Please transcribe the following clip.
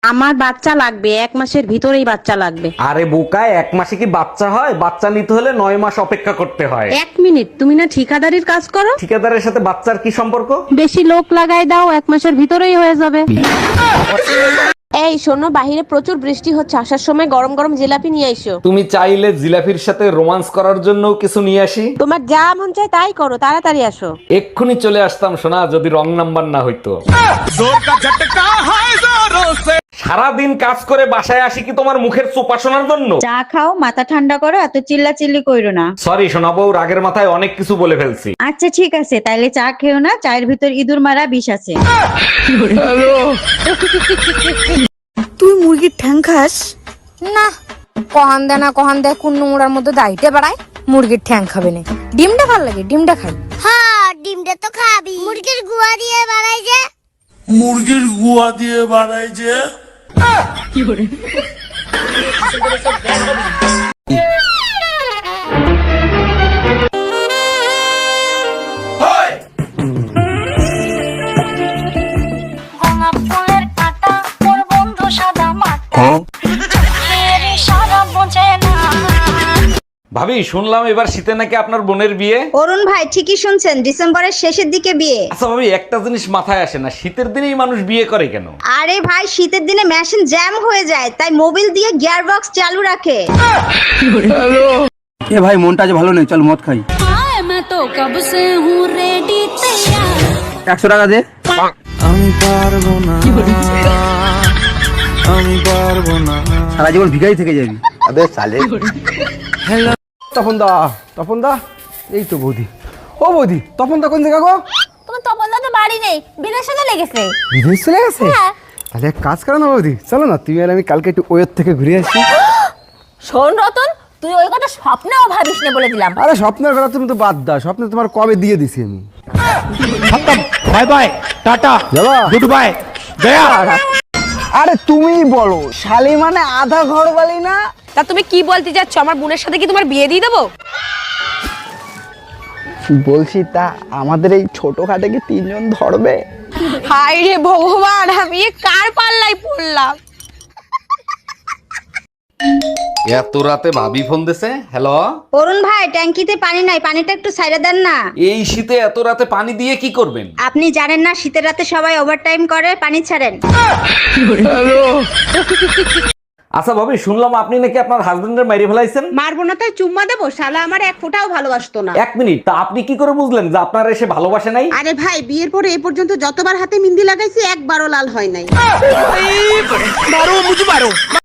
আমার বাচ্চা লাগবে, 1 মাসের ভিতরেই বাচ্চা লাগবে। আরে বোকায়, 1 মাসে কি বাচ্চা হয়? বাচ্চা নিতে হলে 9 মাস অপেক্ষা করতে হয়। 1 মিনিট, তুমি না ঠিকাদারির কাজ করো? ঠিকাদারের সাথে বাচ্চার কি সম্পর্ক? বেশি লোক লাগাই দাও, 1 মাসের ভিতরেই হয়ে যাবে। এই শোনো, বাহিরে প্রচুর বৃষ্টি হচ্ছে, আসার সময় গরম গরম জিলাপি নিয়ে আইসো। তুমি চাইলে জিলাফির সাথে রোমান্স করার জন্য কিছু নিয়ে আসি। তোমার যা মন চায় তাই করো, তাড়াতাড়ি আসো। এক্ষুনি চলে আসতাম সোনা, যদি রং নাম্বার না হইতো। সারাদিন কাজ করে বাসায় আসি কি তোমার মুখের চোপা শোনার জন্য? চা খাও, মাথা ঠান্ডা করো, এত চিল্লাচিল্লি কইরো না। সরি সোনা বউ, রাগের মাথায় অনেক কিছু বলে ফেলছি। আচ্ছা ঠিক আছে, তাইলে চা খেও না, চায়ের ভিতর ইঁদুর মারা বিষ আছে। তুই মুরগির ঠ্যাং খাস? না, কহান দেয় না, কহান দেয় কোন নোংরার মধ্যে দাইতে বাড়ায়। মুরগির ঠ্যাং খাবে না, ডিমটা ভাল লাগে, ডিমটা খাই। হ্যাঁ, ডিমটা তো খাবি। মুরগির গুয়া দিয়ে বানাই যে। মুরগির গুয়া দিয়ে বানাই যে। গোলাপ ফুলের কাঁটা, ওর বন্ধু সাদা মাটা। চোখের ইশারা বোঝে না। ভাবি, শুনলাম এবার শীতে নাকি আপনার বোনের বিয়ে। অরুণ ভাই ঠিকই শুনছেন, ডিসেম্বরের শেষের দিকে বিয়ে। আচ্ছা ভাবি, একটা জিনিস মাথায় আসে না, শীতের দিনেই মানুষ বিয়ে করে কেন? আরে ভাই, শীতের দিনে মেশিন জ্যাম হয়ে যায়, তাই মোবিল দিয়ে গিয়ার বক্স চালু রাখে। এ ভাই, মনটা আজ ভালো নেই, চল মদ খাই। 100 টাকা দে। আমি পারবো না, আমি পারবো না। সারা জীবন ভিখারি থেকে যাবি। আবে সালে। তপন দা, তপন দা, এই তো বৌদি। ও বৌদি, তপন দা কোন জায়গা গো? তোমার তপন দা তো বাড়ি নেই, বিদেশে চলে গেছে। বিদেশ চলে গেছে? তাহলে এক কাজ করো না বৌদি, চলো না তুমি আর আমি কালকে একটু ওয়ের থেকে ঘুরে আসি। শোন রতন, তুই ওই কথা স্বপ্নেও ভাবিস না বলে দিলাম। আরে স্বপ্নের কথা তুমি তো বাদ দাও, স্বপ্নে তোমার কবে দিয়ে দিছি আমি। বাই বাই, টাটা, যাবা? গুড বাই, গয়া। আরে তুমি বলো, শালি মানে আধা ঘর বালি না? তা তুমি কি বলতে যাচ্ছ, আমার বোনের সাথে কি তোমার বিয়ে দিয়ে দেবো? বলছি তা আমাদের এই ছোট খাটে কি 3 জন ধরবে? হায় রে ভগবান, আমি এ কার পাল্লাই পড়লাম। এত রাতে ভাবি ফোন দিছে। হ্যালো, অরুণ ভাই, ট্যাঙ্কিতে পানি নাই, পানিটা একটু সাইডে দেন না। এই শীতে এত রাতে পানি দিয়ে কি করবেন? আপনি জানেন না, শীতের রাতে সবাই ওভারটাইম করে, পানি ছাড়েন। আচ্ছা ভাবি, শুনলাম আপনি নাকি আপনার হাজবেন্ডের মাইরে ফেলাইছেন। মারবো না তাই চুম্মা দেবো? শালা আমার 1 ফোঁটাও ভালোবাসতো না। 1 মিনিট, তা আপনি কি করে বুঝলেন যে আপনার এসে ভালোবাসে নাই? আরে ভাই, বিয়ের পরে এ পর্যন্ত যতবার হাতে মেহেন্দি লাগাইছি, একবারও লাল হয় নাই।